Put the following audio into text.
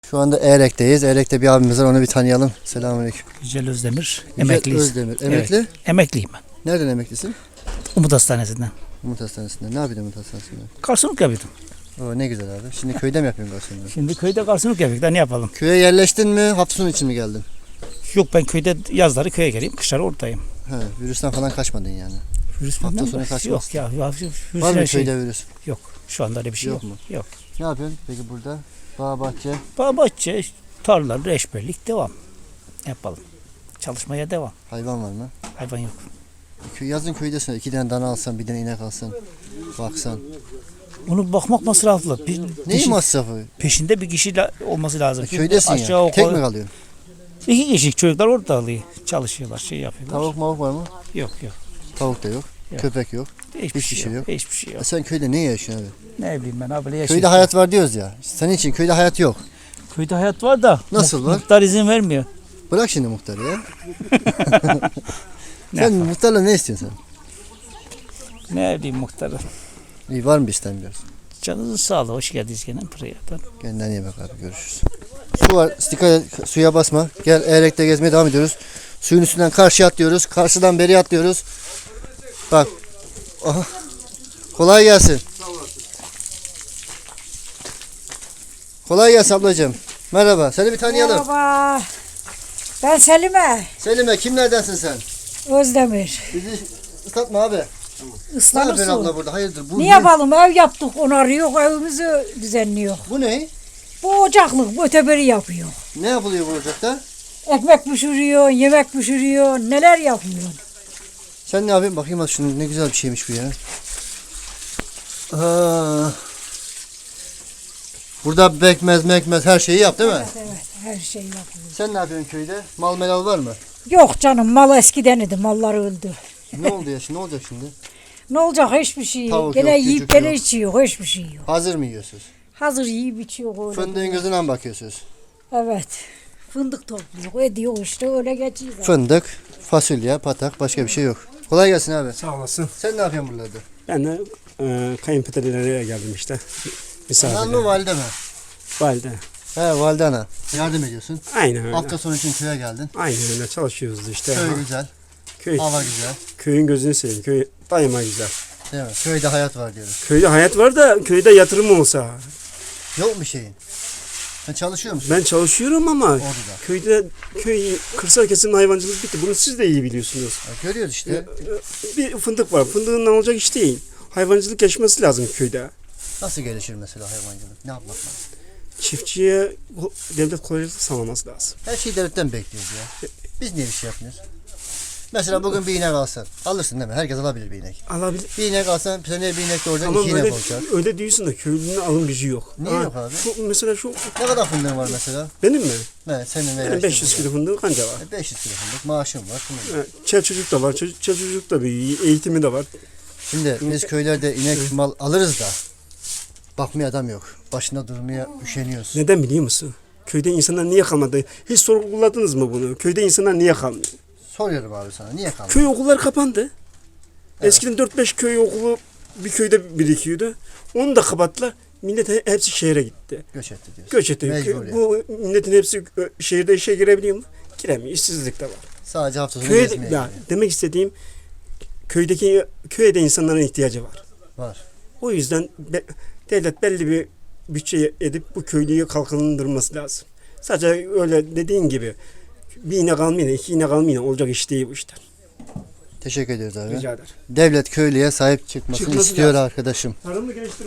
Şu anda Erek'teyiz. Erek'te bir abimiz var, onu bir tanıyalım. Selamünaleyküm. Yücel Özdemir, Yücel emekliyiz. Özdemir. Emekli? Evet, emekliyim ben. Nereden emeklisin? Umut Hastanesi'nden. Umut Hastanesi'nde. Ne yapıyordun Umut Hastanesi'nde? Garsonluk yapıyordum. Oo, ne güzel abi. Şimdi köyde mi yapıyorsun garsonluğu? Şimdi köyde garsonluk yapıyorduk da ne yapalım? Köye yerleştin mi? Hafta sonu için mi geldin? Yok, ben köyde yazları köye geleyim, kışları oradayım. He, virüsten falan kaçmadın yani. Virüs Hafta falan sonu mı? kaçmaz. Yok ya. Virüs Var mı her şey- köyde virüs? Yok. Şu anda öyle bir şey Yok yok. mu? Yok. Ne yapıyorsun peki burada? Bağ, bahçe. Bahçe, tarla, reçberlik devam. Yapalım. Çalışmaya devam. Hayvan var mı? Hayvan yok. Yazın köydesin. 2 tane dana alsan, bir tane inek alsan. Baksan. Onu bakmak masraflı. Neyin masrafı? Peşinde bir kişi olması lazım. Köydesin Aşağı ya. yukarı Tek mi kalıyorsun? 2 kişi çocuklar orada alıyor. Çalışıyorlar, şey yapıyorlar. Tavuk mavuk var mı? Yok. Tavuk da yok. Yok. Köpek yok. Hiçbir şey yok. Hiçbir şey yok. Sen köyde ne yaşıyorsun abi? Ne bileyim ben abi, yaşıyorum. Köyde hayat var diyoruz ya. Senin için köyde hayat yok. Köyde hayat var da Nasıl var? muhtar izin vermiyor. Bırak şimdi muhtarı ya. Ne Sen yapalım? muhtarla ne istiyorsun sen? Ne bileyim muhtarı. İyi, var mı bir istemiyoruz? Canınızın sağlığı. Hoş geldiniz gene buraya. Kendine iyi bak abi, görüşürüz. Su var, dikkat et, suya basma. Gel, Erek'te gezmeye devam ediyoruz. Suyun üstünden karşıya atlıyoruz. Karşıdan beri atlıyoruz. Bak. Aha. Kolay gelsin. Kolay gelsin ablacığım. Merhaba. Seni bir tanıyalım. Merhaba. Ben Selime Selime, kimlerdensin sen? Özdemir. Bizi ıslatma abi. Ne yapıyorsun Islanırsın. abla burada? Hayırdır? Bu Ne yapalım? Ev yaptık, onarıyor, evimizi düzenliyor. Bu ne? Bu ocaklık, bu öteberi yapıyor. Ne yapılıyor bu ocakta? Ekmek pişiriyor, yemek pişiriyor, neler yapıyor. Sen ne yapıyorsun? Bakayım hadi şunu, ne güzel bir şeymiş bu ya. Aa. Burada mekmez her şeyi yap değil mi? Evet, her şey yapıyor. Sen ne yapıyorsun köyde? Mal melal var mı? Yok canım, mal eskiden idi, mallar öldü. Ne oldu ya şimdi? Ne olacak şimdi? Ne olacak, hiçbir şey. Tavuk Gene yok, yiyip cücük gene yok. içiyor, hiçbir şey yok. Hazır mı yiyorsunuz? Hazır yiyip içiyor öyle. Fındığın gözüne mi bakıyorsunuz? Evet. Fındık topluyor, ediyor işte, öyle geçiyor. Fındık, fasulye, patak, başka bir şey yok. Kolay gelsin abi. Sağ olasın. Sen ne yapıyorsun buralarda? Ben de kayınpederlere geldim işte. Anan Misafirle. mı valide mi? Valide. He, valide ana. Yardım ediyorsun. Aynen öyle. Hafta sonu için köye geldin. Aynen öyle çalışıyoruz işte. Köy güzel, Köy, hava güzel. köyün gözünü seveyim. Köy daima güzel. Değil mi? Köyde hayat var diyoruz. Köyde hayat var da köyde yatırım olsa. Yok mu şeyin? Sen çalışıyor musun? Ben çalışıyorum ama Orada. köy kırsal kesim hayvancılık bitti. Bunu siz de iyi biliyorsunuz. Ya görüyoruz işte. Bir fındık var. Fındığın olacak iş değil. Hayvancılık gelişmesi lazım köyde. Nasıl gelişir mesela hayvancılık? Ne yapmak lazım? Çiftçiye devlet kolaylık sağlaması lazım. Her şeyi devletten bekliyoruz ya. Biz niye bir şey yapmıyoruz? Mesela bugün bir inek alsan. Alırsın değil mi? Herkes alabilir bir inek. Alabilir. Bir inek alsan seneye bir inek de oradan Ama iki inek öyle, olacak. öyle diyorsun da köylünün alım gücü yok. Niye yok abi? Mesela şu Ne kadar fındığın var mesela? benim mi? Ne senin veya Benim işte 500 burada. kilo fındık kanca var. 500 kilo fındık maaşım var. Fındık. Çel çocuk da var. Çel çocuk da bir eğitimi de var. Şimdi biz köylerde inek mal alırız da bakmaya adam yok. Başında durmaya üşeniyoruz. Neden biliyor musun? Köyde insanlar niye kalmadı? Hiç sorguladınız mı bunu? Köyde insanlar niye kalmıyor? Soruyorum abi sana, niye kaldın? Köy okulları kapandı. Eskiden 4-5 köy okulu bir köyde birikiyordu. Onu da kapattılar. Millet hepsi şehre gitti. Göç etti diyorsun. Göç etti. Mecbur yani. Bu milletin hepsi şehirde işe girebiliyor mu? Giremiyor. İşsizlik de var. Sadece hafta sonu Köyde, gezmeye ya, gidiyor. demek istediğim köyde insanların ihtiyacı var. Var. O yüzden devlet belli bir bütçe edip bu köylüyü kalkındırması lazım. Sadece öyle dediğin gibi bir inek almayla, 2 inek almayla olacak iş değil bu işler. Teşekkür ediyoruz abi. Rica ederim. Devlet köylüye sahip çıkmasını Çıkması istiyor lazım. arkadaşım. Tarımı geliştirmek